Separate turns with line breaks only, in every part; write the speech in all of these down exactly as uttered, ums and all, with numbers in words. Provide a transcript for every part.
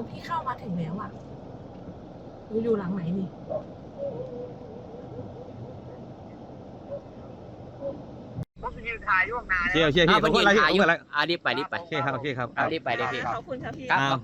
พี่เข้ามาถึงแล้วอ่ะอยู่หลังไหนนี่
ก็คือยืนถ่ายอยู่ข้างหน้า
เชี่ยวเชี่ยวพี่
อ้าว
ข
มั
อน บคุ
ยื
ณ
น
อะไรพี่
ถ่าย
ขอบ
อยู่
คุณอะไร
อ่ารีบไปรีบไป
โอเคครับโอเคครับ
อ่ารีบไปเลยพี่
ขอบคุณครับพี่
ครับ
อ้าว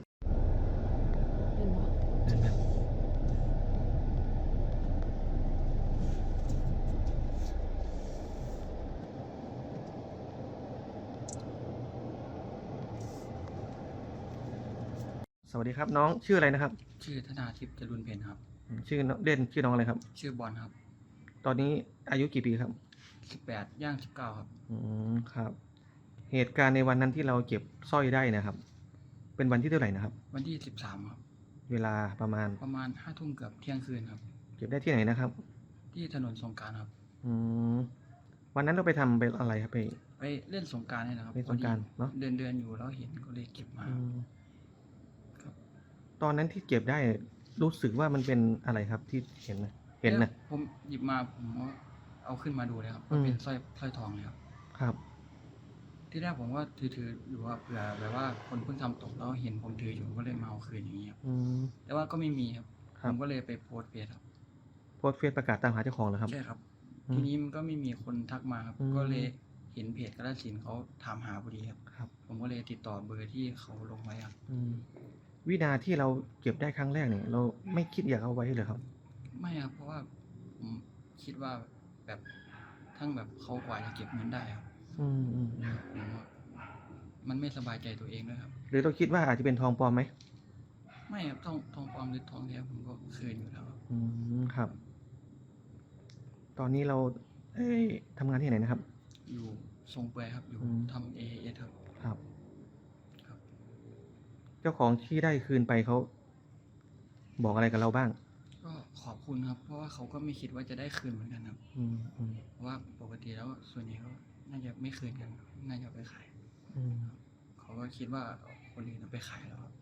สวัสดีครับน้องชื่ออะไรนะครับ
ชื่อธนาทิพย์จรุนเพนครับ
ชื่อน้องเด่นชื่อน้องอะไรครับ
ชื่อบอลครับ
ตอนนี้อายุกี่ปีครับ
สิบแปดย่างสิบเก้าครับ
อืมครับ เหตุการณ์ในวันนั้นที่เราเก็บสร้อยได้นะครับ เป็นวันที่เท่าไหร่นะครับ
วันที่สิบสามครับ
เวลาประมาณ
ประมาณห้าทุ่มเกือบเที่ยงคืนครับ
เก็บได้ที่ไหนนะครับ
ที่ถนนสงกรานต์ครับ
อืมวันนั้นเราไปทำไปอะไรครับไป
ไปเล่นสงกรานต์นี่นะครับ
เล่นสงกรานต์
พอดี
เนอะ
เดินเดินอยู่แล้วเห็นก็เลยเก็บมา
อืม
ครับ
ตอนนั้นที่เก็บได้รู้สึกว่ามันเป็นอะไรครับที่เห็นนะเห็นนะ
ผมหยิบมาผมก็เอาขึ้นมาดูเลยครับ
อืม
เป็นสร้อยสร้อยทองเลยครับ
ครับ
ที่แรกผมว่าถือถืออยู่ว่าเผื่อแบบว่าคนเพิ่งทำตกแล้วเห็นผมถืออยู่ก็เลยมาเอาคืนอย่างนี้ครับ
อืม
แต่ว่าก็ไม่มีครับ
ค
ผ
รับ
มก็เลยไปโพสต์เฟซครับ
โพสต์เฟซประกาศตามหาเจ้าของเหรอครับ
ใช่ครับ
อืม
ทีนี้มันก็ไม่มีคนทักมาครับ
อืม
ก็เลยเห็นเพจกระสินธุ์เขาถามหาพอดีครับ
ครับ
ผมก็เลยติดต่อเบอร์ที่เขาลงไว้ครับ
อืมวินาที่เราเก็บได้ครั้งแรกเนี่ย เราไม่คิดอยากเอาไว้เลยครับ
ไม่ครับ เพราะว่าผมคิดว่าแบบทั้งแบบเขากว่าจะเก็บเงินได้ครับ
อืมอืมอืม
ผมว่ามันไม่สบายใจตัวเองด้วยครับ
หรือเราคิดว่าอาจจะเป็นทองปลอมไหม
ไม่ครับทองทองปลอมหรือทองแท้ผมก็คืนอยู่แล้วครับ
อืมครับ ตอนนี้เรา เอ้ยทำงานที่ไหนนะครับ
อยู่ทรงเปื่อยครับ อยู่
อืม
ทำเอเอครับ
ครับ
ครับ
เจ้าของที่ได้คืนไปเขาบอกอะไรกับเราบ้าง
ก็ขอบคุณครับ เพราะว่าเขาก็ไม่คิดว่าจะได้คืนเหมือนกันครับ
อืมอืม
เพราะว่าปกติแล้วส่วนใหญ่ก็น่าจะไม่คืนกันครับน่าจะเอาไปขาย
อืม
เขาก็คิดว่าคนอื่นเอาไปขายแล้วครับ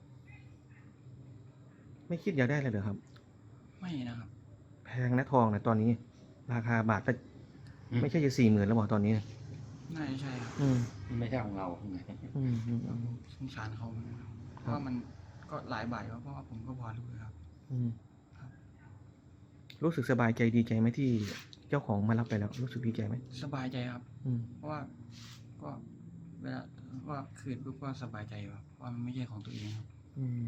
ไม่คิดอยากได้เลยเหรอครับ
ไม่นะครับ
แพงนะทองนะตอนนี้ ราคาบาทละไม่ใช่จะสี่หมื่นแล้วบอกตอนนี้นะ
น่าจะใช่ครับ
อืม
ไม่ใช่ของเรา
อืมอืมอืม
สงสารเขาเหมือนกันครับเพราะว่ามันก็หลายบาทครับเพราะว่าผมก็พอรู้ครับ
อืม
ครับ
รู้สึกสบายใจดีใจไหมที่เจ้าของมารับไปแล้ว รู้สึกดีใจไหม
สบายใจครับ
อืม
เพราะว่าก็เวลาว่าคืนปุ๊บก็สบายใจครับเพราะว่ามันไม่ใช่ของตัวเองครับ
อืม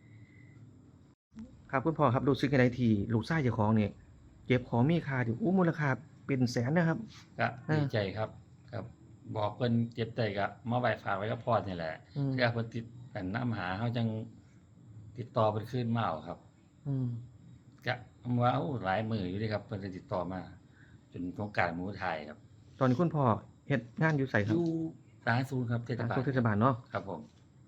ครับคุณพ่อครับรู้สึกยังไงที่ลูกชายเจ้าของเนี่ยเก็บของมีค่าอยู่อู้มูลค่าเป็นแสนนะครับ
ก็
อ่า
ดีใจครับครับ บอกเพิ่นเจ็บใจก็มาไว้ฝากไว้กับพ่อนี่แหละ
อืม
เพื่อเพิ่นติดกันน้ำหาเขาจังติดต่อเพิ่นขึ้นมาเอาครับ
อืม
ก็ว่าเอ้าหลายมืออยู่เด้ครับเพิ่นจะติดต่อมา จนสงกรานต์หมู่ไทยครับ
ตอนนี้คุณพ่อเฮ็ดงานอยู่ใส่
อ
ครับ
ยู่สาธารณสุขครับเทศ
ทาง
บาล
สุขเทศบาลเนาะ
ครับผม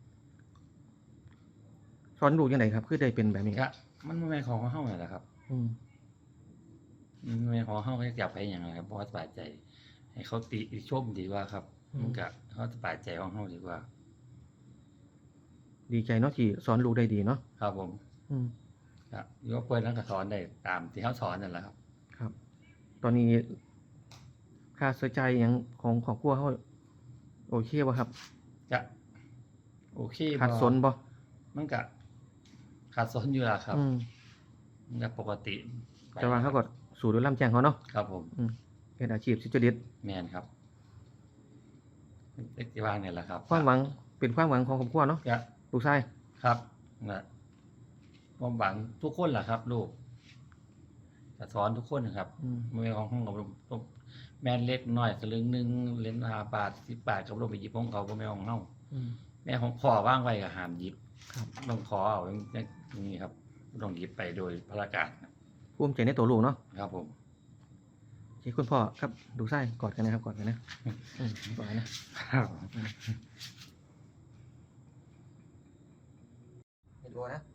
สอนลูกยังไงครับคือได้เป็นแบบนี้
ก็มันบ่แม่นของเฮานั่นแหละครับ
อืม
มันบ่แม่นของเฮาก็อยากไปหยังนะครับเพราะว่าสบายใจ ให้เขาติชมดีกว่าครับ
อืม
มันก็เฮาสบายใจของเฮาดีกว่า
ดีใจเนาะที่สอนลูกได้ดีเนาะ
ครับผม
อืม
ครับยกเพิ่นนั้นก็สอนได้ตามที่เฮาสอนนั่นแหละครับ
ครับ ตอนนี้ค่าใช้จ่ายหยังของครอบครัวเขาโอเคบ่ครับ
ก็โอเคบ่
ขาดสนบ่
มันก็ขาดสนอยู่ล่ะครับ
อืม
มันก็ปกติไป
แต่ว่าเขาก็สู่ด้วยลำแจ้งเขาเนาะ
ครับผม
อืมเป็นอาชีพสุจริต
แม่นครับเป็นที่วางเนี่ยแหละครับ
ความหวังเป็นความหวังของครอบครัวเนาะ
ก็
ลูกชาย
ครับนะความหวังทุกคนแหละครับ ลูกจะสอนทุกคนนะครับ
อืม
ไม่ของห้องกับลูกแม่นเล็กน้อยสลึงหนึงเหรียญห้าบาทสิบบาทกับลูกไปหยิบของเขาก็ไม่ของเฮา
อืม
แม่ของพ่อว่างไว้ก็ห้ามหยิบ
ครับ
ต้องขอเอาอย่างนี้ครับต้องหยิบไปโดยพระการนะ
ภูมิใจในตัวลูกเนาะ
ครับผม
โอเคคุณพ่อครับดูไส้กอดกันนะครับกอดกันนะอืมกอดกันนะครับ ไปดูนะ